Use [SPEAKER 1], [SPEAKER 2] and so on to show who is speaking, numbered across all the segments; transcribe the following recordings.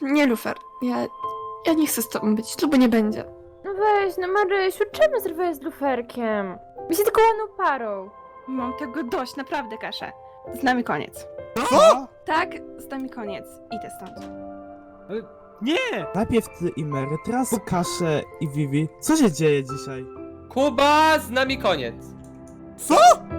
[SPEAKER 1] Nie, Lufer. Ja nie chcę z tobą być. Ślubu nie będzie.
[SPEAKER 2] No weź, no Marysiu, czemu zrywałeś z luferkiem? My się tylko ładną parą.
[SPEAKER 3] Mam tego dość, naprawdę, Kasia. Z nami koniec.
[SPEAKER 4] Co?
[SPEAKER 3] Tak, z nami koniec. Idę stąd.
[SPEAKER 5] Nie!
[SPEAKER 4] Najpierw ty i Mary, teraz Kaszę i Vivi. Co się dzieje dzisiaj?
[SPEAKER 6] Kuba, z nami koniec.
[SPEAKER 4] Co?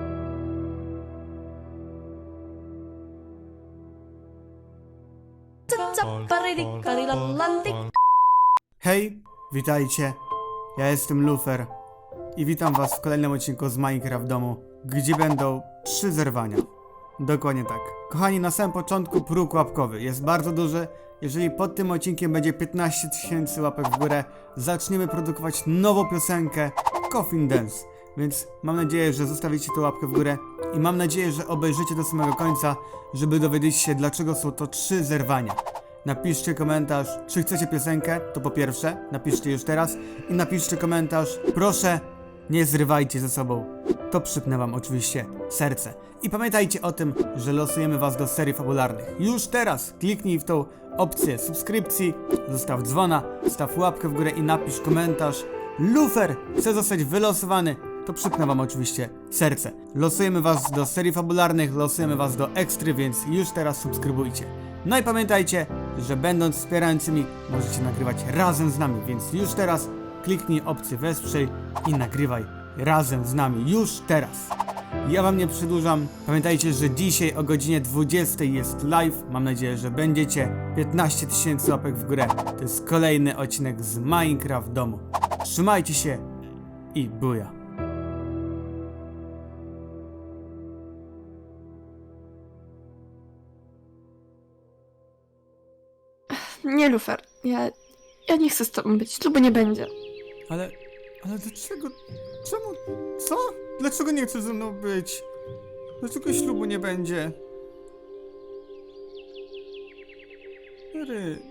[SPEAKER 7] Hej, witajcie. Ja jestem Lufer i witam was w kolejnym odcinku z Minecraft domu, gdzie będą 3 zerwania. Dokładnie tak. Kochani, na samym początku próg łapkowy jest bardzo duży. Jeżeli pod tym odcinkiem będzie 15 000 łapek w górę, zaczniemy produkować nową piosenkę Coffin Dance. Więc mam nadzieję, że zostawicie tę łapkę w górę i mam nadzieję, że obejrzycie do samego końca, żeby dowiedzieć się, dlaczego są to 3 zerwania. Napiszcie komentarz, czy chcecie piosenkę, to po pierwsze, napiszcie już teraz i napiszcie komentarz, proszę, nie zrywajcie ze sobą. To przypnę wam oczywiście serce. I pamiętajcie o tym, że losujemy was do serii fabularnych. Już teraz kliknij w tą opcję subskrypcji, zostaw dzwona, staw łapkę w górę i napisz komentarz. Lufer chce zostać wylosowany. To przypnę wam oczywiście serce. Losujemy was do serii fabularnych, losujemy was do ekstry, więc już teraz subskrybujcie. No i pamiętajcie, że będąc wspierającymi możecie nagrywać razem z nami, więc już teraz kliknij opcję wesprzyj i nagrywaj razem z nami, już teraz. Ja wam nie przedłużam, pamiętajcie, że dzisiaj o godzinie 20 jest live, mam nadzieję, że będziecie. 15 000 łapek w górę, to jest kolejny odcinek z Minecraft domu. Trzymajcie się i buja.
[SPEAKER 1] Nie, Lufer. Ja nie chcę z tobą być. Ślubu nie będzie.
[SPEAKER 7] Ale dlaczego, czemu, co? Dlaczego nie chcesz ze mną być? Dlaczego ślubu nie będzie? Mary.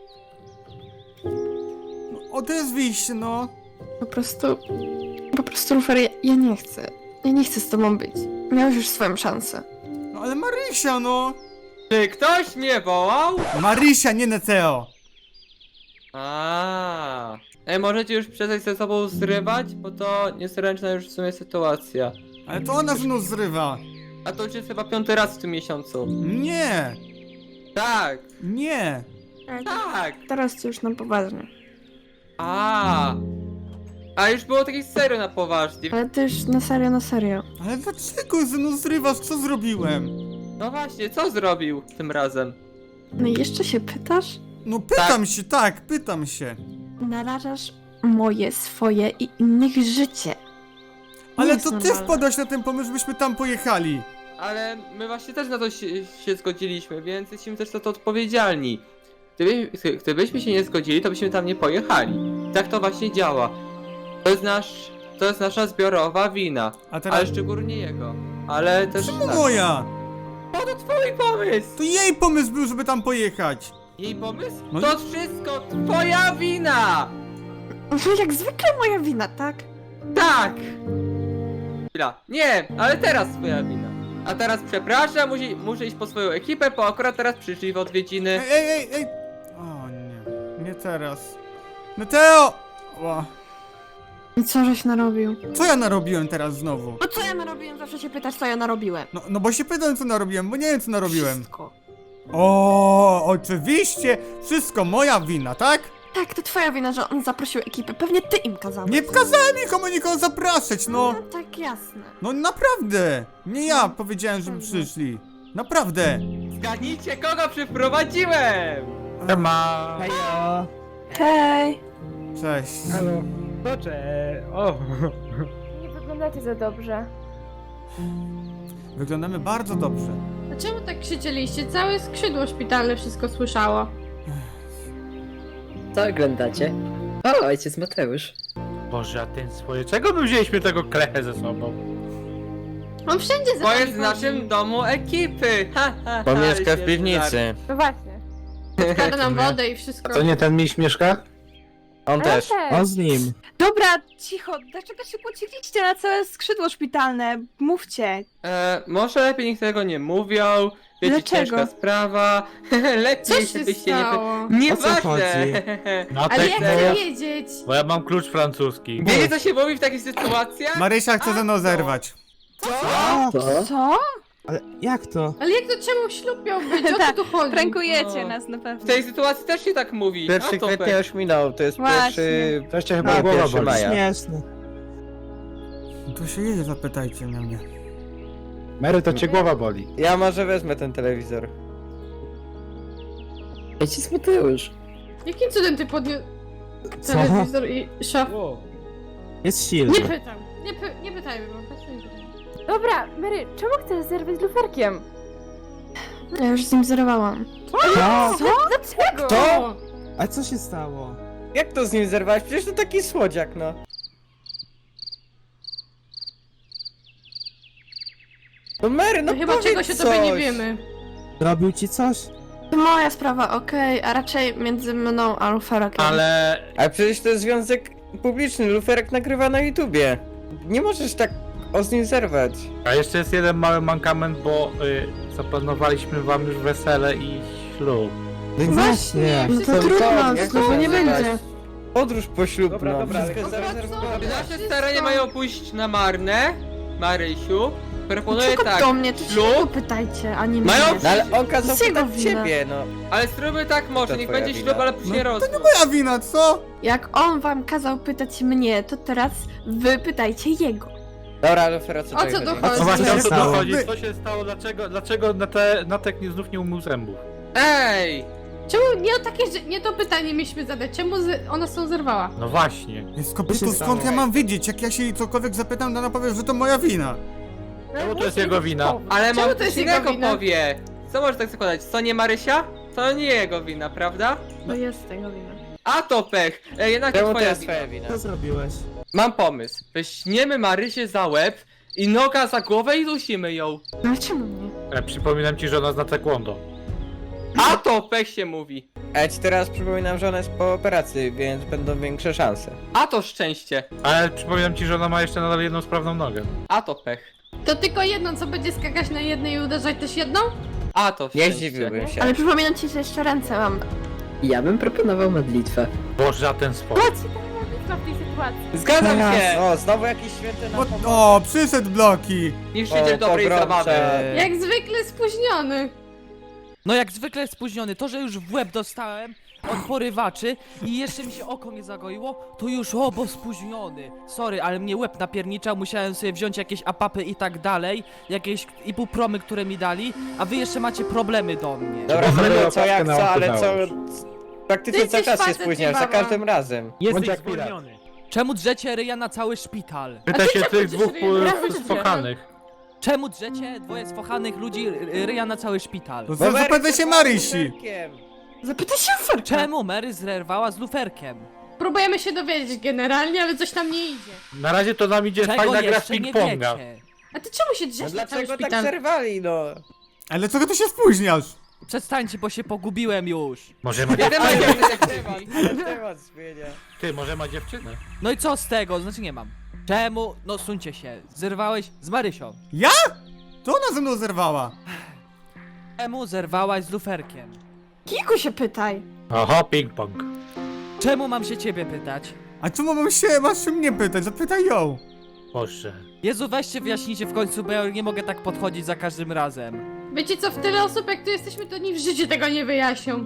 [SPEAKER 7] No, odezwij się, no.
[SPEAKER 1] Po prostu, Lufer, ja nie chcę. Ja nie chcę z tobą być. Miałeś już swoją szansę.
[SPEAKER 7] No ale Marysia, no.
[SPEAKER 6] Czy ktoś mnie wołał?
[SPEAKER 7] Marysia, nie Neteo.
[SPEAKER 6] Możecie już przestać ze sobą zrywać, bo to niezręczna już w sumie sytuacja.
[SPEAKER 7] Ale to ona ze mną zrywa.
[SPEAKER 6] A to już jest chyba 5. raz w tym miesiącu.
[SPEAKER 7] Nie,
[SPEAKER 6] Tak,
[SPEAKER 7] nie.
[SPEAKER 6] tak.
[SPEAKER 1] Teraz to już na poważnie.
[SPEAKER 6] A już było takich serio na poważnie.
[SPEAKER 1] Ale ty już na serio.
[SPEAKER 7] Ale dlaczego ze mną zrywasz? Co zrobiłem?
[SPEAKER 6] No właśnie, co zrobił tym razem?
[SPEAKER 1] No i jeszcze się pytasz?
[SPEAKER 7] No pytam się, tak, pytam się.
[SPEAKER 1] Narażasz moje, swoje i innych życie.
[SPEAKER 7] Ale
[SPEAKER 1] jest
[SPEAKER 7] to ty
[SPEAKER 1] normalne.
[SPEAKER 7] wpadłaś na ten pomysł, żebyśmy tam pojechali.
[SPEAKER 6] Ale my właśnie też na to się zgodziliśmy, więc jesteśmy też za to odpowiedzialni. Gdybyśmy się nie zgodzili, to byśmy tam nie pojechali. Tak to właśnie działa. To jest nasza zbiorowa wina.
[SPEAKER 7] A teraz...
[SPEAKER 6] Ale szczególnie jego. Ale też
[SPEAKER 7] Czemu
[SPEAKER 6] nasza.
[SPEAKER 7] moja?
[SPEAKER 6] O, to twój pomysł!
[SPEAKER 7] To jej pomysł był, żeby tam pojechać.
[SPEAKER 6] Jej pomysł?
[SPEAKER 7] No i-
[SPEAKER 6] To wszystko twoja wina!
[SPEAKER 1] No jak zwykle moja wina, tak?
[SPEAKER 6] Tak! Chwila. Nie, ale teraz twoja wina. A teraz przepraszam, muszę iść po swoją ekipę, bo akurat teraz przyszli w odwiedziny.
[SPEAKER 7] Ej. O nie, nie teraz. Neteo! Ła.
[SPEAKER 1] I co żeś narobił?
[SPEAKER 7] Co ja narobiłem teraz znowu?
[SPEAKER 1] No co ja narobiłem? Zawsze się pytasz, co ja narobiłem.
[SPEAKER 7] No bo się pytam, co narobiłem, bo nie wiem, co narobiłem.
[SPEAKER 1] Wszystko.
[SPEAKER 7] O, oczywiście, wszystko moja wina, tak?
[SPEAKER 1] Tak, to twoja wina, że on zaprosił ekipę. Pewnie ty im kazałeś.
[SPEAKER 7] Nie kazałem nikomu nikogo zapraszać, no.
[SPEAKER 1] No tak, jasne.
[SPEAKER 7] No naprawdę. Nie ja powiedziałem, żeby przyszli. Naprawdę.
[SPEAKER 6] Zgadnijcie, kogo przyprowadziłem!
[SPEAKER 5] Siema!
[SPEAKER 4] Hejo!
[SPEAKER 1] Hej.
[SPEAKER 7] Cześć.
[SPEAKER 5] Halo! Boże! O!
[SPEAKER 2] Nie wyglądacie za dobrze.
[SPEAKER 7] Wyglądamy bardzo dobrze.
[SPEAKER 8] A czemu tak krzyczeliście? Całe skrzydło szpitalne wszystko słyszało.
[SPEAKER 9] Co oglądacie? O, ojciec Mateusz.
[SPEAKER 5] Boże, a ten swoje... Czego my wzięliśmy tego klechę ze sobą?
[SPEAKER 8] On wszędzie za
[SPEAKER 6] Bo
[SPEAKER 8] nami
[SPEAKER 6] jest w naszym
[SPEAKER 8] chodzi.
[SPEAKER 6] domu ekipy!
[SPEAKER 10] Bo mieszka w
[SPEAKER 6] świetny
[SPEAKER 10] piwnicy.
[SPEAKER 2] No właśnie.
[SPEAKER 8] Wkłada nam wodę i wszystko.
[SPEAKER 5] To nie ten miś mieszka?
[SPEAKER 9] On też.
[SPEAKER 4] On z nim.
[SPEAKER 3] Dobra, cicho, dlaczego się kłóciliście na całe skrzydło szpitalne? Mówcie.
[SPEAKER 6] Może lepiej niech tego nie mówią. Wiecie,
[SPEAKER 3] Dlaczego?
[SPEAKER 6] ciężka sprawa.
[SPEAKER 8] Co
[SPEAKER 6] Lepiej,
[SPEAKER 8] się
[SPEAKER 6] żebyście
[SPEAKER 8] stało?
[SPEAKER 6] nie...
[SPEAKER 4] O co
[SPEAKER 6] Nieważne!
[SPEAKER 4] chodzi?
[SPEAKER 5] No
[SPEAKER 8] Ale
[SPEAKER 5] tak,
[SPEAKER 8] jak
[SPEAKER 5] bo,
[SPEAKER 8] chcę wiedzieć?
[SPEAKER 5] bo ja mam klucz francuski.
[SPEAKER 6] Wiecie, co się mówi w takich sytuacjach?
[SPEAKER 7] Marysia chce ze mną zerwać.
[SPEAKER 4] Co?
[SPEAKER 3] Co?
[SPEAKER 4] Ale jak to?
[SPEAKER 8] Ale jak to czemu ślub miał być? O co tu chodzi?
[SPEAKER 3] Prankujecie
[SPEAKER 6] No.
[SPEAKER 3] nas na
[SPEAKER 6] W
[SPEAKER 3] pewno.
[SPEAKER 6] tej sytuacji też się tak mówi.
[SPEAKER 10] 1 kwietnia już minął, to jest
[SPEAKER 3] Właśnie.
[SPEAKER 10] pierwszy...
[SPEAKER 5] Wreszcie chyba
[SPEAKER 4] A,
[SPEAKER 5] głowa
[SPEAKER 10] 1
[SPEAKER 5] boli.
[SPEAKER 10] maja.
[SPEAKER 4] Śmieszne.
[SPEAKER 7] To się jedzie, zapytajcie na mnie.
[SPEAKER 5] Mary, to cię głowa boli.
[SPEAKER 10] Ja może wezmę ten telewizor.
[SPEAKER 9] Ojciec Mateusz.
[SPEAKER 8] Jakim cudem ty podniósł
[SPEAKER 4] Co?
[SPEAKER 8] telewizor i szaf?
[SPEAKER 4] Jest silny.
[SPEAKER 8] Nie pytam. Nie pytajmy, bo po prostu nie pytam.
[SPEAKER 2] Dobra, Mary, czemu chcesz zerwać z luferkiem?
[SPEAKER 1] Ja już z nim zerwałam.
[SPEAKER 4] Co?
[SPEAKER 2] Co? Dlaczego?
[SPEAKER 10] To?
[SPEAKER 4] A co się stało?
[SPEAKER 10] Jak to z nim zerwałeś? Przecież to taki słodziak, no. No Mary, no
[SPEAKER 8] No chyba
[SPEAKER 10] powiedz
[SPEAKER 8] czegoś o
[SPEAKER 10] coś.
[SPEAKER 8] tobie nie wiemy.
[SPEAKER 4] Zrobił ci coś?
[SPEAKER 1] To moja sprawa, okej, a raczej między mną a Luferkiem.
[SPEAKER 5] Ale
[SPEAKER 10] Ale przecież to jest związek publiczny, luferek nagrywa na YouTubie. Nie możesz tak z nim zerwać.
[SPEAKER 5] a jeszcze jest jeden mały mankament, bo zaplanowaliśmy wam już wesele i ślub.
[SPEAKER 4] No
[SPEAKER 1] Właśnie, no to
[SPEAKER 10] To
[SPEAKER 1] trudno,
[SPEAKER 10] jak
[SPEAKER 1] znowu
[SPEAKER 10] to
[SPEAKER 1] nie
[SPEAKER 10] nazywać?
[SPEAKER 1] będzie.
[SPEAKER 10] Podróż poślubna.
[SPEAKER 5] Dobra, dobra,
[SPEAKER 10] Wszystko jest
[SPEAKER 8] ale-
[SPEAKER 10] zarezerwowane.
[SPEAKER 8] Dobra,
[SPEAKER 6] Nasze
[SPEAKER 8] wszystko.
[SPEAKER 6] starania mają pójść na marne, Marysiu. Proponuję
[SPEAKER 1] Dlaczego
[SPEAKER 6] tak,
[SPEAKER 1] do mnie? To się
[SPEAKER 6] ślub,
[SPEAKER 1] go pytajcie, a nie mnie.
[SPEAKER 6] Mają-
[SPEAKER 10] No ale on kazał
[SPEAKER 1] Z jego
[SPEAKER 10] pytać
[SPEAKER 1] wina.
[SPEAKER 10] ciebie, no.
[SPEAKER 6] ale zróbmy tak może,
[SPEAKER 10] To
[SPEAKER 6] niech
[SPEAKER 10] twoja
[SPEAKER 6] będzie
[SPEAKER 10] wina.
[SPEAKER 6] ślub, ale później rozwód.
[SPEAKER 7] Moja wina, co?
[SPEAKER 1] Jak on wam kazał pytać mnie, to teraz wy pytajcie jego.
[SPEAKER 10] Dobra, Lufero, co
[SPEAKER 8] O
[SPEAKER 10] tutaj
[SPEAKER 8] co tu
[SPEAKER 10] chodzi?
[SPEAKER 8] chodzi?
[SPEAKER 5] No właśnie
[SPEAKER 4] się
[SPEAKER 5] o co tu
[SPEAKER 4] stało?
[SPEAKER 5] chodzi? Co się stało? Dlaczego Natek znów nie umył zębów?
[SPEAKER 6] Ej!
[SPEAKER 8] Czemu nie to pytanie mieliśmy zadać? Czemu ona z tą zerwała?
[SPEAKER 5] No właśnie.
[SPEAKER 7] Jest
[SPEAKER 4] Co się
[SPEAKER 7] skąd
[SPEAKER 4] stało?
[SPEAKER 7] ja mam wiedzieć? Jak ja się jej cokolwiek zapytam, to ona powie, że to moja wina.
[SPEAKER 5] Czemu to jest jego wina?
[SPEAKER 6] Ale
[SPEAKER 8] Czemu
[SPEAKER 6] mam
[SPEAKER 8] to
[SPEAKER 6] coś
[SPEAKER 8] jest jego
[SPEAKER 6] innego
[SPEAKER 8] wina?
[SPEAKER 6] powie. Co może tak zakładać? To nie Marysia? To nie jego wina, prawda?
[SPEAKER 1] To jest tego wina.
[SPEAKER 6] A to pech! Jednak
[SPEAKER 10] Czemu
[SPEAKER 6] to
[SPEAKER 10] to
[SPEAKER 6] twoja
[SPEAKER 10] jest
[SPEAKER 6] wina.
[SPEAKER 10] twoja wina?
[SPEAKER 4] Co zrobiłeś?
[SPEAKER 6] Mam pomysł. Weźmiemy Marysię za łeb i noga za głowę i dusimy ją.
[SPEAKER 1] No ale czemu nie?
[SPEAKER 5] Przypominam ci, że ona zna taekwondo.
[SPEAKER 6] A to pech się mówi.
[SPEAKER 10] A ja ci teraz przypominam, że ona jest po operacji, więc będą większe szanse.
[SPEAKER 6] A to szczęście.
[SPEAKER 5] Ale przypominam ci, że ona ma jeszcze nadal jedną sprawną nogę.
[SPEAKER 6] A to pech.
[SPEAKER 8] To tylko jedną, co będzie skakać na jednej i uderzać też jedną?
[SPEAKER 6] A to
[SPEAKER 10] Nie
[SPEAKER 6] szczęście.
[SPEAKER 10] zdziwiłbym się.
[SPEAKER 1] Ale przypominam ci, że jeszcze ręce mam.
[SPEAKER 9] Ja bym proponował modlitwę.
[SPEAKER 5] Boże, a ten sport.
[SPEAKER 2] Co ci tam modlitwa w tej sytuacji?
[SPEAKER 6] Zgadzam się!
[SPEAKER 10] O, znowu jakiś święty na pomoc.
[SPEAKER 7] O, przyszedł Bloki!
[SPEAKER 6] Niszczyciel
[SPEAKER 10] O,
[SPEAKER 6] dobrej
[SPEAKER 10] pogromcze.
[SPEAKER 6] zabawy.
[SPEAKER 8] Jak zwykle spóźniony.
[SPEAKER 11] No jak zwykle spóźniony, to że już w łeb dostałem od porywaczy i jeszcze mi się oko nie zagoiło, to już bo spóźniony. Sorry, ale mnie łeb napierniczał, musiałem sobie wziąć jakieś apapy i tak dalej, jakieś ibupromy, które mi dali, a wy jeszcze macie problemy do mnie.
[SPEAKER 10] Dobra,
[SPEAKER 5] Bo
[SPEAKER 10] no
[SPEAKER 5] będę
[SPEAKER 10] co jak
[SPEAKER 5] opaskę
[SPEAKER 10] co,
[SPEAKER 5] na
[SPEAKER 10] ale
[SPEAKER 5] oko
[SPEAKER 10] co...
[SPEAKER 5] dałeś.
[SPEAKER 10] Praktycznie
[SPEAKER 8] Ty
[SPEAKER 10] cały
[SPEAKER 8] jesteś
[SPEAKER 10] czas się
[SPEAKER 8] facet,
[SPEAKER 10] spóźniasz, za
[SPEAKER 8] baba.
[SPEAKER 10] każdym razem.
[SPEAKER 5] Bądź jak pirat.
[SPEAKER 11] Czemu drzecie ryja na cały szpital?
[SPEAKER 5] Pytaj się
[SPEAKER 8] czemu
[SPEAKER 5] tych
[SPEAKER 8] ty
[SPEAKER 5] dwóch
[SPEAKER 8] się nie
[SPEAKER 5] spokanych.
[SPEAKER 11] Czemu drzecie dwoje sfochanych ludzi ryja na cały szpital?
[SPEAKER 7] To zapytaj się Marysi!
[SPEAKER 10] Luferkiem.
[SPEAKER 1] Zapytaj się Luferka.
[SPEAKER 11] Czemu Mary zerwała z luferkiem?
[SPEAKER 8] Próbujemy się dowiedzieć generalnie, ale coś tam nie idzie.
[SPEAKER 5] Na razie to nam idzie
[SPEAKER 11] Czego
[SPEAKER 5] fajna gra w
[SPEAKER 11] jeszcze nie
[SPEAKER 5] ping-ponga.
[SPEAKER 11] wiecie?
[SPEAKER 8] A ty czemu się
[SPEAKER 10] No
[SPEAKER 8] drzesz na cały
[SPEAKER 10] dlaczego tak
[SPEAKER 8] szpital?
[SPEAKER 10] zerwali, no?
[SPEAKER 7] Ale dlaczego ty się spóźniasz?
[SPEAKER 11] Przestańcie, bo się pogubiłem już.
[SPEAKER 5] Może ma
[SPEAKER 6] Jeden ma
[SPEAKER 5] dziewczynę?
[SPEAKER 6] detektywni.
[SPEAKER 10] Temat zmienia.
[SPEAKER 5] Ty, może ma dziewczynę?
[SPEAKER 11] No i co z tego? Znaczy nie mam. Czemu? No suńcie się. Zerwałeś z Marysią.
[SPEAKER 7] Ja? To ona ze mną zerwała.
[SPEAKER 11] Czemu zerwałaś z luferkiem?
[SPEAKER 1] Kiku się pytaj.
[SPEAKER 5] Oho, ping-pong.
[SPEAKER 11] Czemu mam się ciebie pytać?
[SPEAKER 7] A czemu masz się mnie pytać? Zapytaj ją.
[SPEAKER 5] Boże.
[SPEAKER 11] Jezu, weźcie wyjaśnijcie w końcu, bo ja nie mogę tak podchodzić za każdym razem.
[SPEAKER 8] Wiecie co, w tyle osób jak tu jesteśmy, to ni w życiu tego nie wyjaśnią.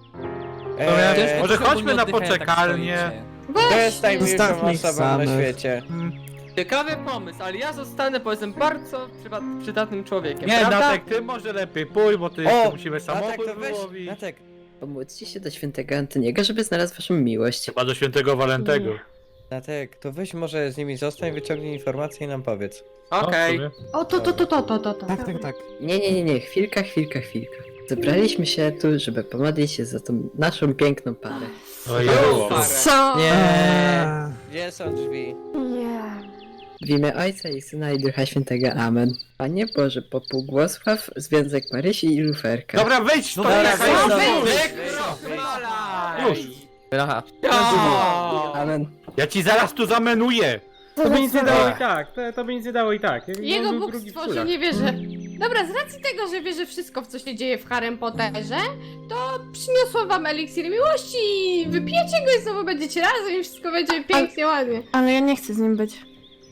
[SPEAKER 5] Może
[SPEAKER 11] Czemu
[SPEAKER 5] chodźmy
[SPEAKER 11] nie
[SPEAKER 5] na
[SPEAKER 11] oddychają, tak
[SPEAKER 5] poczekalnię.
[SPEAKER 11] stoicie?
[SPEAKER 10] To jest najmilszą
[SPEAKER 4] Zostawmy ich
[SPEAKER 10] osobą na
[SPEAKER 4] samych.
[SPEAKER 10] świecie.
[SPEAKER 6] Ciekawy pomysł, ale ja zostanę powiedzmy bardzo przydatnym człowiekiem,
[SPEAKER 5] Nie,
[SPEAKER 6] prawda?
[SPEAKER 5] Natek, ty może lepiej pójdź, bo ty
[SPEAKER 10] O,
[SPEAKER 5] jeszcze musimy
[SPEAKER 10] Natek,
[SPEAKER 5] samochód
[SPEAKER 10] to weź,
[SPEAKER 5] wyłowić.
[SPEAKER 10] Natek.
[SPEAKER 9] Pomóżcie się do świętego Antoniego, żeby znalazł waszą miłość.
[SPEAKER 5] Chyba do świętego Walentego.
[SPEAKER 10] Natek, to weź może z nimi zostań, wyciągnij informacje i nam powiedz.
[SPEAKER 6] Okej.
[SPEAKER 5] No,
[SPEAKER 8] O, to.
[SPEAKER 4] Tak, tak.
[SPEAKER 9] Nie, chwilka. Zebraliśmy się tu, żeby pomodlić się za tą naszą piękną parę.
[SPEAKER 5] o Jezu.
[SPEAKER 6] Parę.
[SPEAKER 8] Co?
[SPEAKER 10] Nie.
[SPEAKER 4] Eee,
[SPEAKER 10] Gdzie są drzwi?
[SPEAKER 1] Nie.
[SPEAKER 9] W imię Ojca i Syna i Ducha Świętego. Amen. Panie Boże, pobłogosław związek Marysi i Luferka.
[SPEAKER 5] Dobra, wejdź
[SPEAKER 11] No
[SPEAKER 5] to!
[SPEAKER 11] dobra,
[SPEAKER 5] jaka
[SPEAKER 11] wejdź,
[SPEAKER 5] jest-
[SPEAKER 11] no
[SPEAKER 6] Wy-
[SPEAKER 11] wejdź.
[SPEAKER 6] wykrochlaj!
[SPEAKER 5] Już.
[SPEAKER 10] Aha.
[SPEAKER 9] Amen.
[SPEAKER 5] Ja ci zaraz tu zamenuję!
[SPEAKER 2] To by nic nie dało i
[SPEAKER 10] tak, to by nic nie dało i tak.
[SPEAKER 8] Jego Bóg stworzył, nie wierzę. Dobra, z racji tego, że wierzę wszystko, w co się dzieje w Harrym Potterze, to przyniosłam wam eliksir miłości i wypijecie go i znowu będziecie razem i wszystko będzie pięknie, ładnie.
[SPEAKER 1] Ale ja nie chcę z nim być.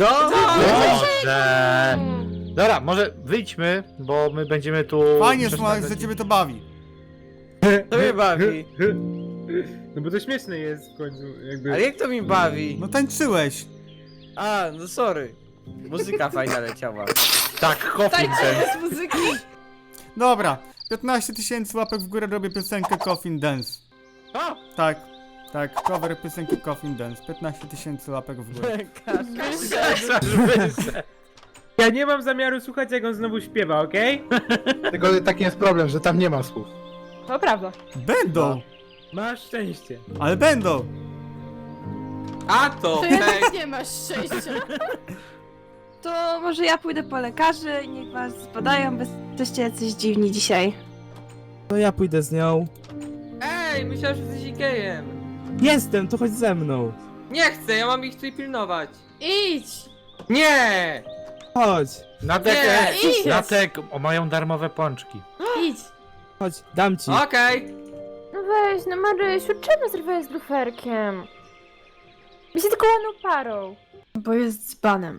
[SPEAKER 5] Dobrze! Dobra, może wyjdźmy, bo my będziemy tu...
[SPEAKER 7] Fajnie,
[SPEAKER 5] przeszkadzać.
[SPEAKER 7] Smołek, że ciebie to bawi.
[SPEAKER 10] To mnie bawi.
[SPEAKER 4] No bo to śmieszne jest w końcu, jakby...
[SPEAKER 10] Ale jak to mi bawi?
[SPEAKER 7] No tańczyłeś.
[SPEAKER 10] A, no sorry. Muzyka fajna leciała.
[SPEAKER 5] Tak, Coffin Dance.
[SPEAKER 8] Bez muzyki?
[SPEAKER 7] Dobra, 15 000 łapek w górę robię piosenkę Coffin Dance.
[SPEAKER 5] O!
[SPEAKER 7] Tak, tak, cover piosenki Coffin Dance. 15 000 łapek w górę.
[SPEAKER 4] Ja nie mam zamiaru słuchać, jak on znowu śpiewa, okej?
[SPEAKER 5] Tylko taki jest problem, że tam nie ma słów.
[SPEAKER 2] To prawda.
[SPEAKER 7] Będą,
[SPEAKER 4] Masz szczęście.
[SPEAKER 7] ale będą.
[SPEAKER 6] A to,
[SPEAKER 8] To jednak nie masz szczęścia.
[SPEAKER 3] To może ja pójdę po lekarzy i niech was zbadają, bo jesteście jacyś dziwni dzisiaj.
[SPEAKER 4] To ja pójdę z nią.
[SPEAKER 6] Ej, myślałem, że jesteś gejem.
[SPEAKER 4] Jestem, to chodź ze mną.
[SPEAKER 6] Nie chcę, ja mam ich tutaj pilnować.
[SPEAKER 8] Idź!
[SPEAKER 6] Nie!
[SPEAKER 4] Chodź,
[SPEAKER 5] Natek,
[SPEAKER 8] Nie, idź.
[SPEAKER 5] Natek, mają darmowe pączki.
[SPEAKER 8] Idź!
[SPEAKER 4] chodź, dam ci.
[SPEAKER 6] Okej.
[SPEAKER 2] No weź, no Marysiu, czemu zerwałeś z luferkiem? My się tylko ładną parą.
[SPEAKER 1] Bo jest dzbanem.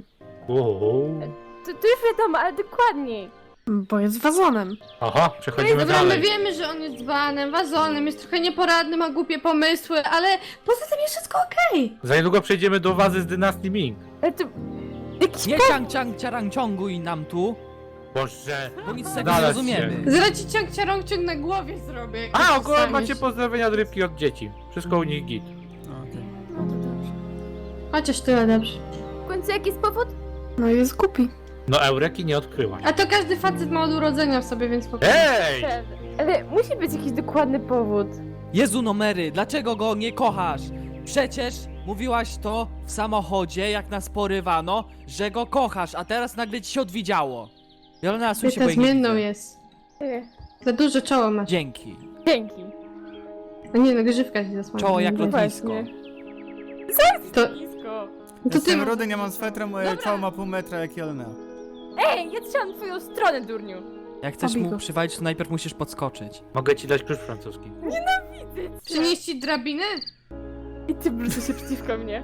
[SPEAKER 2] To już wiadomo, ale dokładniej.
[SPEAKER 1] Bo jest wazonem.
[SPEAKER 5] Aha, przechodzimy
[SPEAKER 8] Dobra, my
[SPEAKER 5] dalej.
[SPEAKER 8] wiemy, że on jest dzbanem, wazonem, jest trochę nieporadny, ma głupie pomysły, ale poza tym jest wszystko okej.
[SPEAKER 5] Za niedługo przejdziemy do wazy z dynastii Ming.
[SPEAKER 2] Ale to... Jakiś
[SPEAKER 11] Nie ciang ciąguj nam tu,
[SPEAKER 5] Boże.
[SPEAKER 11] bo nic z tego nie
[SPEAKER 5] Znalazł
[SPEAKER 11] rozumiemy.
[SPEAKER 8] Zaraz ci ciąg na głowie zrobię. jak
[SPEAKER 5] A,
[SPEAKER 8] tak
[SPEAKER 5] ogólnie
[SPEAKER 8] dostaniesz.
[SPEAKER 5] macie pozdrowienia od rybki od dzieci. Wszystko u nich git.
[SPEAKER 8] No to dobrze. Chociaż tyle dobrze.
[SPEAKER 2] w końcu jaki jest powód?
[SPEAKER 1] No i jest głupi.
[SPEAKER 5] No Eureki nie odkryłaś.
[SPEAKER 8] A to każdy facet ma od urodzenia w sobie, więc spokojnie.
[SPEAKER 5] Ej!
[SPEAKER 2] Ale musi być jakiś dokładny powód.
[SPEAKER 11] Jezu no Mary, dlaczego go nie kochasz? Przecież mówiłaś to w samochodzie, jak nas porywano, że go kochasz, a teraz nagle ci się odwidziało. Jolena, słuchaj się, bo
[SPEAKER 8] Ty
[SPEAKER 11] jej nie
[SPEAKER 8] zmienną
[SPEAKER 11] widzę.
[SPEAKER 8] jest. Za duże czoło masz.
[SPEAKER 11] Dzięki.
[SPEAKER 2] Dzięki.
[SPEAKER 8] No nie no, grzywka się zasłania.
[SPEAKER 11] Czoło jak
[SPEAKER 8] No
[SPEAKER 11] lotnisko.
[SPEAKER 2] właśnie.
[SPEAKER 8] To,
[SPEAKER 2] Blisko.
[SPEAKER 8] to ty...
[SPEAKER 7] Jestem rudy, nie mam swetra, moje ciało ma pół metra jak Jelena.
[SPEAKER 2] Ej, ja trzymam twoją stronę, durniu.
[SPEAKER 11] Jak chcesz
[SPEAKER 1] Pobij
[SPEAKER 11] mu
[SPEAKER 1] go.
[SPEAKER 11] przywalić, to najpierw musisz podskoczyć.
[SPEAKER 5] Mogę ci dać klucz francuski.
[SPEAKER 8] Przynieść ci drabinę?
[SPEAKER 2] I ty wrócę się przeciwko mnie.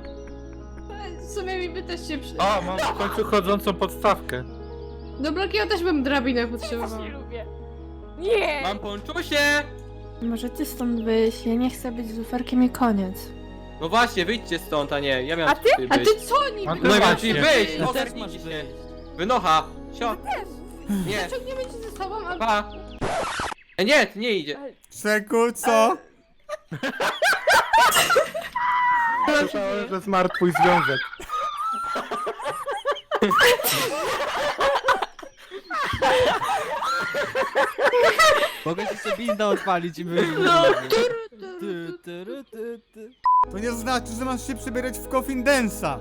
[SPEAKER 8] W sumie mi by też się przy...
[SPEAKER 5] O, mam w końcu chodzącą podstawkę.
[SPEAKER 8] Do blokiego też bym drabinę potrzebowała.
[SPEAKER 2] Nie lubię. Nie!
[SPEAKER 6] Mam ponczusie!
[SPEAKER 1] Może ty stąd wyjść, ja nie chcę być z luferkiem i koniec.
[SPEAKER 6] No właśnie, wyjdźcie stąd, a nie, ja miałem
[SPEAKER 2] A ty?
[SPEAKER 6] tutaj
[SPEAKER 8] A
[SPEAKER 6] być.
[SPEAKER 8] ty co niby?
[SPEAKER 5] A ty
[SPEAKER 6] No i mam
[SPEAKER 5] właśnie.
[SPEAKER 6] ci wyjść,
[SPEAKER 11] Ty też
[SPEAKER 6] ogarnijcie
[SPEAKER 11] masz
[SPEAKER 6] się.
[SPEAKER 11] wyjść.
[SPEAKER 6] Wynocha, sio. Nie,
[SPEAKER 8] Dlaczego nie będzie ze sobą, a...
[SPEAKER 6] pa. Nie, ty nie idzie.
[SPEAKER 7] Czeku, co?
[SPEAKER 5] Słyszałem, że zmarł twój związek.
[SPEAKER 11] Mogę ci sobie inna odpalić i my...
[SPEAKER 8] No.
[SPEAKER 7] To nie znaczy, że masz się przebierać w Coffin Dance'a.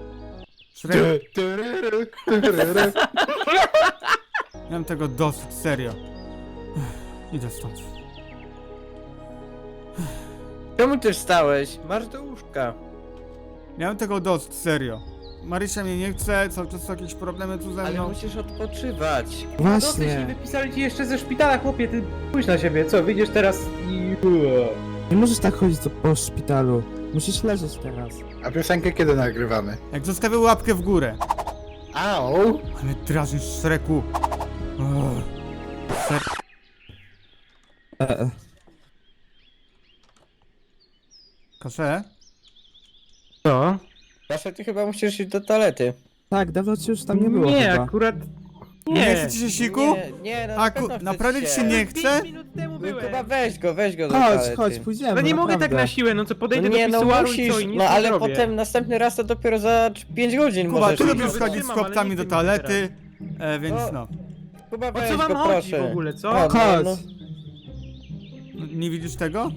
[SPEAKER 7] Miałem tego dosyć, serio. Idę stąd.
[SPEAKER 10] Czemu ty wstałeś? Masz do łóżka.
[SPEAKER 7] Miałem tego dosyć, serio. Marysia mnie nie chce, cały czas są jakieś problemy tu ze
[SPEAKER 10] Ale
[SPEAKER 7] mną.
[SPEAKER 10] musisz odpoczywać.
[SPEAKER 4] Właśnie.
[SPEAKER 10] Wypisali ci jeszcze ze szpitala, chłopie, ty pójdź na siebie, co, wyjdziesz teraz i...
[SPEAKER 4] Nie możesz tak chodzić po szpitalu. Musisz leżeć teraz.
[SPEAKER 5] A piosenkę kiedy nagrywamy?
[SPEAKER 7] Jak zostawię łapkę w górę.
[SPEAKER 5] Au!
[SPEAKER 7] Ale drażnisz, Szreku. Kasze?
[SPEAKER 4] Co?
[SPEAKER 10] Zawsze ty chyba musisz iść do toalety.
[SPEAKER 4] Tak, dawno ci już tam nie było
[SPEAKER 10] Nie,
[SPEAKER 4] chyba.
[SPEAKER 10] akurat...
[SPEAKER 7] Nie chce ci się siku?
[SPEAKER 10] Nie, no
[SPEAKER 7] A
[SPEAKER 10] na pewno chce
[SPEAKER 7] naprawdę
[SPEAKER 10] ci
[SPEAKER 7] ci się nie chce?
[SPEAKER 10] No, chyba weź go do
[SPEAKER 4] Chodź,
[SPEAKER 10] toalety.
[SPEAKER 4] chodź, pójdziemy,
[SPEAKER 10] No nie
[SPEAKER 4] naprawdę.
[SPEAKER 10] mogę tak na siłę,
[SPEAKER 4] no co
[SPEAKER 10] No nie, no musisz, no ale potem następny raz to dopiero za 5 godzin
[SPEAKER 7] Kuba,
[SPEAKER 10] możesz
[SPEAKER 7] ty
[SPEAKER 10] iść.
[SPEAKER 7] lubisz chodzić z chłopcami do toalety, więc no.
[SPEAKER 10] Kuba, weź go, proszę.
[SPEAKER 4] w ogóle, co?
[SPEAKER 10] O, no,
[SPEAKER 4] Chodź.
[SPEAKER 10] no.
[SPEAKER 7] Nie widzisz tego?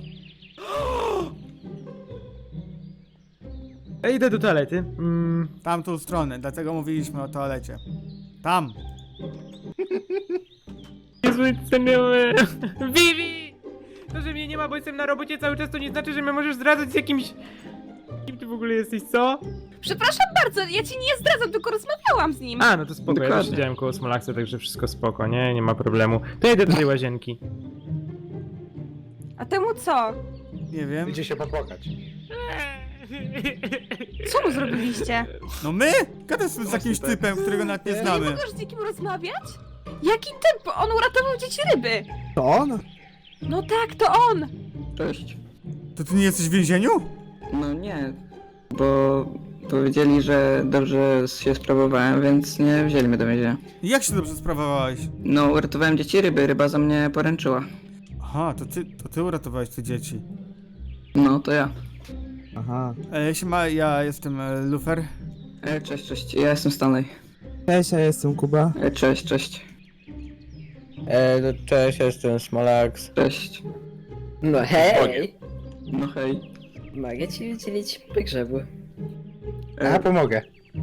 [SPEAKER 4] Ja idę do toalety.
[SPEAKER 7] Tamtą stronę, dlatego mówiliśmy o toalecie. Tam!
[SPEAKER 4] Jezu, ten miał... Vivi!
[SPEAKER 12] To, że mnie nie ma, bo jestem na robocie cały czas, to nie znaczy, że mnie możesz zdradzać z jakimś... Kim ty w ogóle jesteś, co?
[SPEAKER 3] Przepraszam bardzo, ja ci nie zdradzam, tylko rozmawiałam z nim.
[SPEAKER 12] A, no to spoko, ja też siedziałem koło Smolaksa, także wszystko spoko, nie ma problemu. To jedę do tej łazienki.
[SPEAKER 3] A temu co?
[SPEAKER 7] Nie wiem.
[SPEAKER 5] Idzie się popłakać.
[SPEAKER 3] Co mu zrobiliście?
[SPEAKER 7] No my? Gadasz z jakimś typem, którego nawet nie
[SPEAKER 3] Nie
[SPEAKER 7] znamy.
[SPEAKER 3] możesz z nikim rozmawiać? Jaki typ? On uratował dzieci ryby.
[SPEAKER 4] To on?
[SPEAKER 3] No tak, to on.
[SPEAKER 9] Cześć.
[SPEAKER 7] To ty nie jesteś w więzieniu?
[SPEAKER 9] No nie, bo powiedzieli, że dobrze się sprawowałem, więc nie wzięli mnie do więzienia.
[SPEAKER 7] Jak się dobrze sprawowałeś?
[SPEAKER 9] No, uratowałem dzieci ryby, ryba za mnie poręczyła.
[SPEAKER 7] Aha, to ty uratowałeś te dzieci.
[SPEAKER 9] No, to ja.
[SPEAKER 4] Aha.
[SPEAKER 7] Siema, ja jestem Lufer.
[SPEAKER 9] Cześć, ja jestem Stanley.
[SPEAKER 4] Cześć, ja jestem Kuba.
[SPEAKER 9] Cześć.
[SPEAKER 10] Cześć, jestem Smolax.
[SPEAKER 9] Cześć. No hej!
[SPEAKER 6] No hej.
[SPEAKER 9] Mogę ci udzielić pogrzebu.
[SPEAKER 5] Ja pomogę.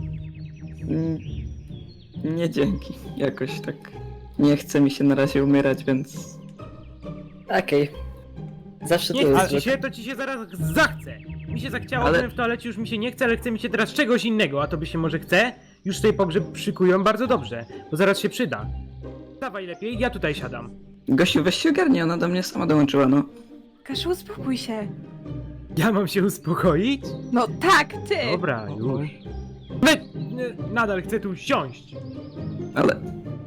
[SPEAKER 9] Nie dzięki. Jakoś tak nie chce mi się na razie umierać, więc... Okej. Zawsze
[SPEAKER 12] Nie chce ci się, to ci się zaraz zachce. Mi się zachciało,
[SPEAKER 9] Ale-
[SPEAKER 12] byłem w toalecie, już mi się nie chce, ale chce mi się teraz czegoś innego, a to by się może chce? Już sobie pogrzeb szykują bardzo dobrze, bo zaraz się przyda. Dawaj lepiej, ja tutaj siadam.
[SPEAKER 9] Gościu, weź się ogarnij, ona do mnie sama dołączyła, no.
[SPEAKER 3] Kaszu, uspokój się.
[SPEAKER 12] Ja mam się uspokoić?
[SPEAKER 3] No tak, ty.
[SPEAKER 12] Dobra, już. Nadal chcę tu siąść.
[SPEAKER 9] Ale...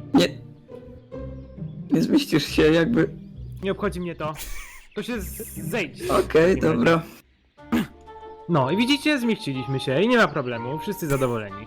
[SPEAKER 9] Nie zmieścisz się jakby...
[SPEAKER 12] Nie obchodzi mnie to. To się zejdź.
[SPEAKER 9] Okej, dobra.
[SPEAKER 12] No i widzicie, zmieściliśmy się i nie ma problemu, wszyscy zadowoleni.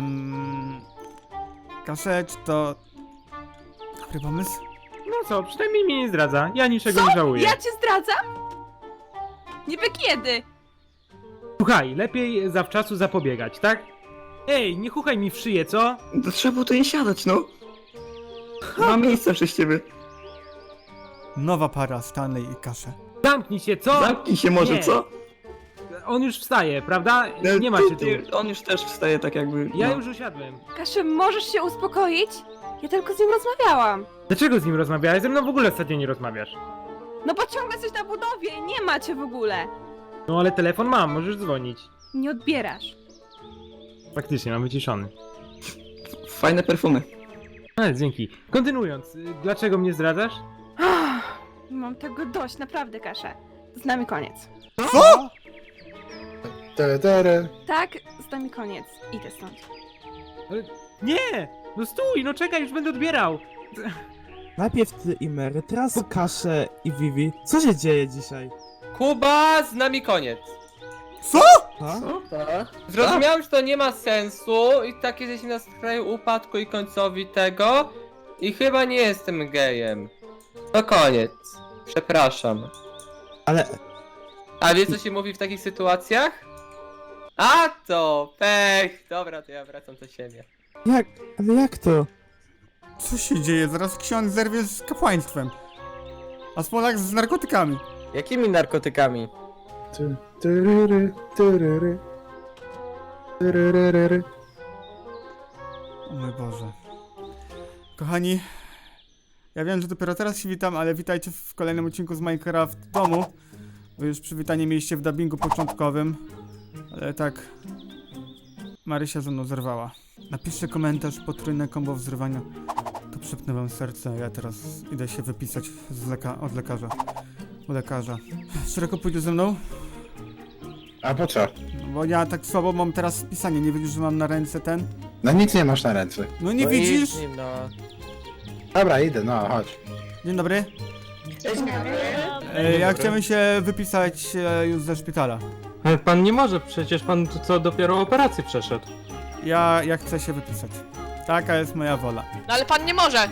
[SPEAKER 7] Kasecz to... Dobry pomysł?
[SPEAKER 12] No co, przynajmniej mnie nie zdradza, ja niczego nie żałuję.
[SPEAKER 3] Ja cię zdradzam? Niby kiedy?
[SPEAKER 12] Słuchaj, lepiej zawczasu zapobiegać, tak? Ej, nie chuchaj mi w szyję, co?
[SPEAKER 9] To trzeba było tu nie siadać, no. Mam miejsce przez ciebie.
[SPEAKER 7] Nowa para, Stanley i Kasze.
[SPEAKER 12] Zamknij się, co?
[SPEAKER 9] Zamknij się może,
[SPEAKER 12] Nie.
[SPEAKER 9] co?
[SPEAKER 12] On już wstaje, prawda? Nie ma cię tu.
[SPEAKER 9] On już też wstaje tak jakby...
[SPEAKER 12] Ja
[SPEAKER 9] no.
[SPEAKER 12] już usiadłem.
[SPEAKER 3] Kaszu, możesz się uspokoić? Ja tylko z nim rozmawiałam.
[SPEAKER 12] Dlaczego z nim rozmawiałeś? Ze mną w ogóle ostatnio nie rozmawiasz.
[SPEAKER 3] No bo ciągle jesteś na budowie, nie ma cię w ogóle.
[SPEAKER 12] No ale telefon mam, możesz dzwonić.
[SPEAKER 3] Nie odbierasz.
[SPEAKER 12] Faktycznie, mam wyciszony.
[SPEAKER 9] Fajne perfumy.
[SPEAKER 12] Ale dzięki. Kontynuując, dlaczego mnie zdradzasz?
[SPEAKER 3] Mam tego dość, naprawdę, Kasze. Z nami koniec.
[SPEAKER 7] Co?
[SPEAKER 3] Tak, z nami koniec. Idę stąd.
[SPEAKER 12] Nie! No stój, no czekaj, już będę odbierał.
[SPEAKER 4] Najpierw ty i Mary, teraz Kasze i Vivi. Co się dzieje dzisiaj?
[SPEAKER 6] Kuba, z nami koniec.
[SPEAKER 7] Co?
[SPEAKER 4] Co?
[SPEAKER 6] Zrozumiałem, że to nie ma sensu i tak jesteśmy na skraju upadku i końcowi tego i chyba nie jestem gejem. To koniec. Przepraszam.
[SPEAKER 4] Ale...
[SPEAKER 6] A wiesz co się mówi w takich sytuacjach? A to pech! Dobra, to ja wracam do siebie.
[SPEAKER 4] Jak? Ale jak to?
[SPEAKER 7] Co się dzieje? Zaraz ksiądz zerwie z kapłaństwem. A Smolak z narkotykami.
[SPEAKER 10] Jakimi narkotykami?
[SPEAKER 7] O mój Boże. Kochani, ja wiem, że dopiero teraz się witam, ale witajcie w kolejnym odcinku z Minecraft domu. Bo już przywitanie mieliście w dubbingu początkowym. Ale tak... Marysia ze mną zerwała. Napiszcie komentarz, potrójne kombo wzrywania. To przepnę wam serce, ja teraz idę się wypisać od lekarza. U lekarza. Szeroko pójdzie ze mną?
[SPEAKER 5] A po co?
[SPEAKER 7] No bo ja tak słabo mam teraz pisanie, nie widzisz, że mam na ręce ten?
[SPEAKER 5] No nic nie masz na ręce.
[SPEAKER 7] No nie widzisz?
[SPEAKER 10] idź z nim, no.
[SPEAKER 5] Dobra, idę, no chodź.
[SPEAKER 7] Dzień dobry. Ja chciałem się wypisać już ze szpitala.
[SPEAKER 12] Ale pan nie może, przecież pan co dopiero operację przeszedł.
[SPEAKER 7] Ja chcę się wypisać. Taka jest moja wola.
[SPEAKER 8] No ale pan nie może!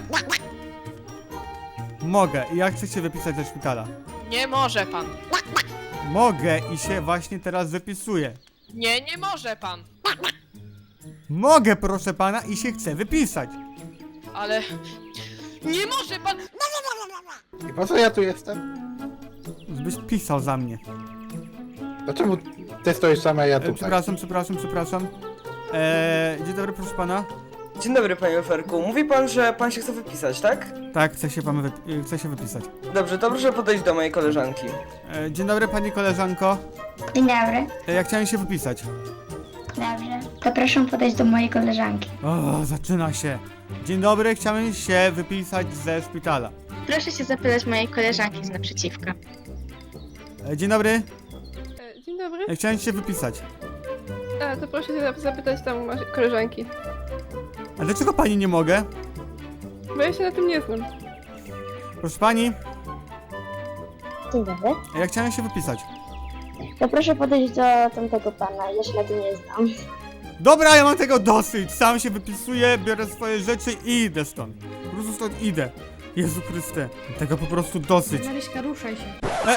[SPEAKER 7] Mogę i ja chcę się wypisać ze szpitala.
[SPEAKER 8] Nie może pan!
[SPEAKER 7] Mogę i się właśnie teraz wypisuję.
[SPEAKER 8] Nie może pan!
[SPEAKER 7] Mogę, proszę pana, i się chcę wypisać.
[SPEAKER 8] Ale... Nie może pan!
[SPEAKER 5] I po co ja tu jestem?
[SPEAKER 7] Żebyś pisał za mnie.
[SPEAKER 5] Dlaczego ty stoisz sama, a ja tutaj?
[SPEAKER 7] Przepraszam. Dzień dobry, proszę pana.
[SPEAKER 10] Dzień dobry, panie Luferku. Mówi pan, że pan się chce wypisać, tak?
[SPEAKER 7] Tak, chcę się wypisać.
[SPEAKER 10] Dobrze, to proszę podejść do mojej koleżanki.
[SPEAKER 7] Dzień dobry, pani koleżanko.
[SPEAKER 13] Dzień dobry.
[SPEAKER 7] Ja chciałem się wypisać.
[SPEAKER 13] Dobrze. To proszę podejść do mojej koleżanki.
[SPEAKER 7] O, zaczyna się. Dzień dobry, chciałem się wypisać ze szpitala.
[SPEAKER 13] Proszę się zapytać mojej koleżanki z naprzeciwka.
[SPEAKER 7] Dzień dobry,
[SPEAKER 2] Dzień dobry.
[SPEAKER 7] chciałem się wypisać.
[SPEAKER 2] To proszę się zapytać tam koleżanki.
[SPEAKER 7] A dlaczego pani nie mogę?
[SPEAKER 2] Bo ja się na tym nie znam.
[SPEAKER 7] Proszę pani,
[SPEAKER 13] Dzień dobry.
[SPEAKER 7] ja chciałem się wypisać.
[SPEAKER 13] To proszę podejść do tamtego pana, ja się na tym nie znam.
[SPEAKER 7] Dobra, ja mam tego dosyć. Sam się wypisuję, biorę swoje rzeczy i idę stąd. Po prostu stąd idę. Jezu Chryste, tego po prostu dosyć.
[SPEAKER 8] Maryśka, ruszaj się.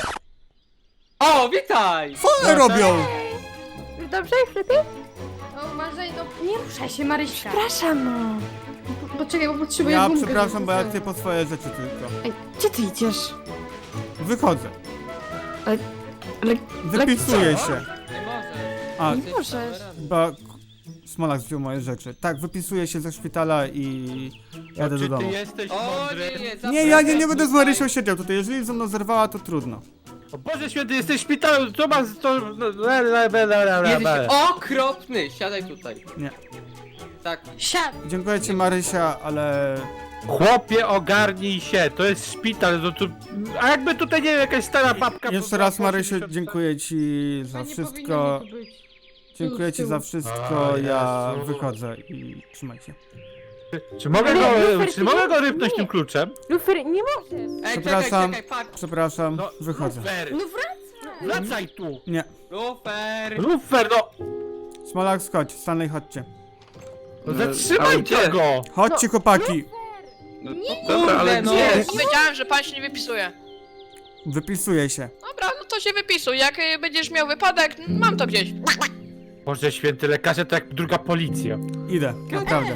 [SPEAKER 6] O, witaj!
[SPEAKER 7] Co one robią?
[SPEAKER 2] Już dobrze? Już lepiej?
[SPEAKER 8] O, uważaj, no nie ruszaj się, Maryśka.
[SPEAKER 2] Przepraszam, no.
[SPEAKER 8] Poczekaj, bo potrzebuję
[SPEAKER 7] Ja
[SPEAKER 8] gumkę,
[SPEAKER 7] przepraszam,
[SPEAKER 8] żeby
[SPEAKER 7] bo ja
[SPEAKER 8] sobie-
[SPEAKER 7] tutaj po swoje rzeczy tylko.
[SPEAKER 1] Ej, gdzie ty idziesz?
[SPEAKER 7] Wychodzę.
[SPEAKER 1] Ale
[SPEAKER 7] Wypisuję
[SPEAKER 1] co?
[SPEAKER 7] się.
[SPEAKER 6] Nie możesz.
[SPEAKER 7] A,
[SPEAKER 1] Nie możesz.
[SPEAKER 7] chyba Smolak wziął moje rzeczy. Tak, wypisuję się ze szpitala i jadę do
[SPEAKER 5] Czy
[SPEAKER 7] domu.
[SPEAKER 5] ty jesteś
[SPEAKER 6] O
[SPEAKER 5] mądry?
[SPEAKER 7] Nie, ja nie będę z Marysią siedział tutaj. Jeżeli ze mną zerwała, to trudno.
[SPEAKER 5] O Boże święty, jesteś w szpitalu, co masz to...
[SPEAKER 6] Jesteś okropny! Siadaj tutaj.
[SPEAKER 7] Nie.
[SPEAKER 6] Tak.
[SPEAKER 8] Siad!
[SPEAKER 7] Dziękuję ci, Marysia, ale...
[SPEAKER 5] Chłopie, ogarnij się, to jest szpital, no to... A jakby tutaj, nie wiem, jakaś stara babka...
[SPEAKER 7] Jeszcze raz, Marysiu, dziękuję ci za
[SPEAKER 8] No nie
[SPEAKER 7] wszystko.
[SPEAKER 8] powinno mi tu być.
[SPEAKER 7] Dziękuję ci za wszystko.
[SPEAKER 5] O,
[SPEAKER 7] Ja
[SPEAKER 5] Jezu.
[SPEAKER 7] wychodzę i trzymajcie.
[SPEAKER 5] Czy mogę go rypnąć tym kluczem?
[SPEAKER 2] Lufer, nie możesz.
[SPEAKER 6] Ej,
[SPEAKER 7] Przepraszam.
[SPEAKER 6] czekaj, fuck.
[SPEAKER 7] Przepraszam,
[SPEAKER 5] No,
[SPEAKER 7] wychodzę.
[SPEAKER 5] Lufer,
[SPEAKER 8] No wracaj!
[SPEAKER 5] wracaj tu!
[SPEAKER 7] Nie.
[SPEAKER 6] Lufer!
[SPEAKER 5] Lufer, no!
[SPEAKER 7] Smolak, chodź, Stanley, chodźcie.
[SPEAKER 5] No
[SPEAKER 9] ale
[SPEAKER 5] zatrzymajcie
[SPEAKER 9] gdzie?
[SPEAKER 5] go!
[SPEAKER 7] Chodźcie, chłopaki.
[SPEAKER 9] Dobra, ale
[SPEAKER 6] Kurde, no.
[SPEAKER 9] gdzie?
[SPEAKER 14] Powiedziałem, że pan się nie wypisuje.
[SPEAKER 7] Wypisuję się.
[SPEAKER 14] Dobra, no to się wypisuj. Jak będziesz miał wypadek, mam to gdzieś.
[SPEAKER 5] Boże święty, lekarze to jak druga policja.
[SPEAKER 7] Idę, naprawdę.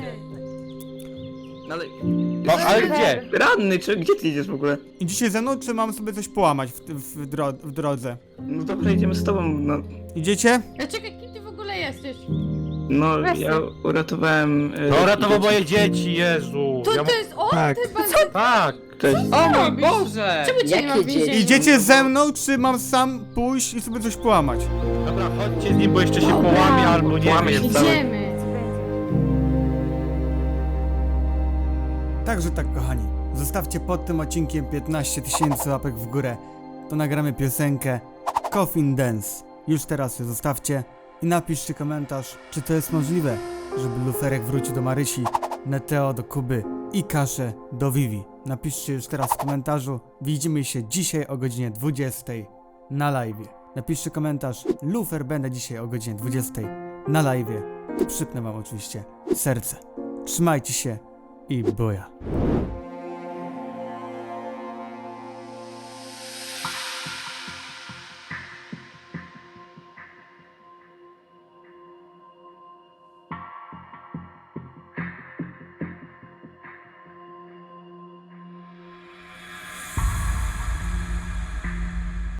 [SPEAKER 9] No ale...
[SPEAKER 5] No, ale gdzie?
[SPEAKER 9] Ranny, czy gdzie ty idziesz w ogóle?
[SPEAKER 7] Idziecie ze mną, czy mam sobie coś połamać w drodze?
[SPEAKER 9] No dobra, idziemy z tobą, no...
[SPEAKER 7] Idziecie?
[SPEAKER 8] A czekaj, kim ty w ogóle jesteś?
[SPEAKER 9] No,
[SPEAKER 2] Weź
[SPEAKER 9] ja uratowałem...
[SPEAKER 5] No ratował moje dzieci, Jezu!
[SPEAKER 8] To
[SPEAKER 5] Ja...
[SPEAKER 8] to jest on?
[SPEAKER 7] Tak.
[SPEAKER 8] Ty bardzo...
[SPEAKER 5] Tak!
[SPEAKER 9] Cześć.
[SPEAKER 6] O mój
[SPEAKER 8] robisz?
[SPEAKER 6] Boże!
[SPEAKER 8] Czemu cię nie ma w więzieniu?
[SPEAKER 7] Idziecie ze mną, czy mam sam pójść i sobie coś połamać?
[SPEAKER 5] Dobra, chodźcie z nim, bo jeszcze się połamie albo nie
[SPEAKER 9] Połamie
[SPEAKER 5] wiem.
[SPEAKER 9] się cały.
[SPEAKER 8] Idziemy.
[SPEAKER 7] Także tak, kochani. Zostawcie pod tym odcinkiem 15 000 łapek w górę. To nagramy piosenkę Coffin Dance. Już teraz ją zostawcie i napiszcie komentarz, czy to jest możliwe, żeby Luferek wrócił do Marysi, Neteo do Kuby i Kaszę do Vivi. Napiszcie już teraz w komentarzu. Widzimy się dzisiaj o godzinie 20 na live. Napiszcie komentarz. Lufer będę dzisiaj o godzinie 20 na live. Przypnę wam oczywiście serce. Trzymajcie się i buja.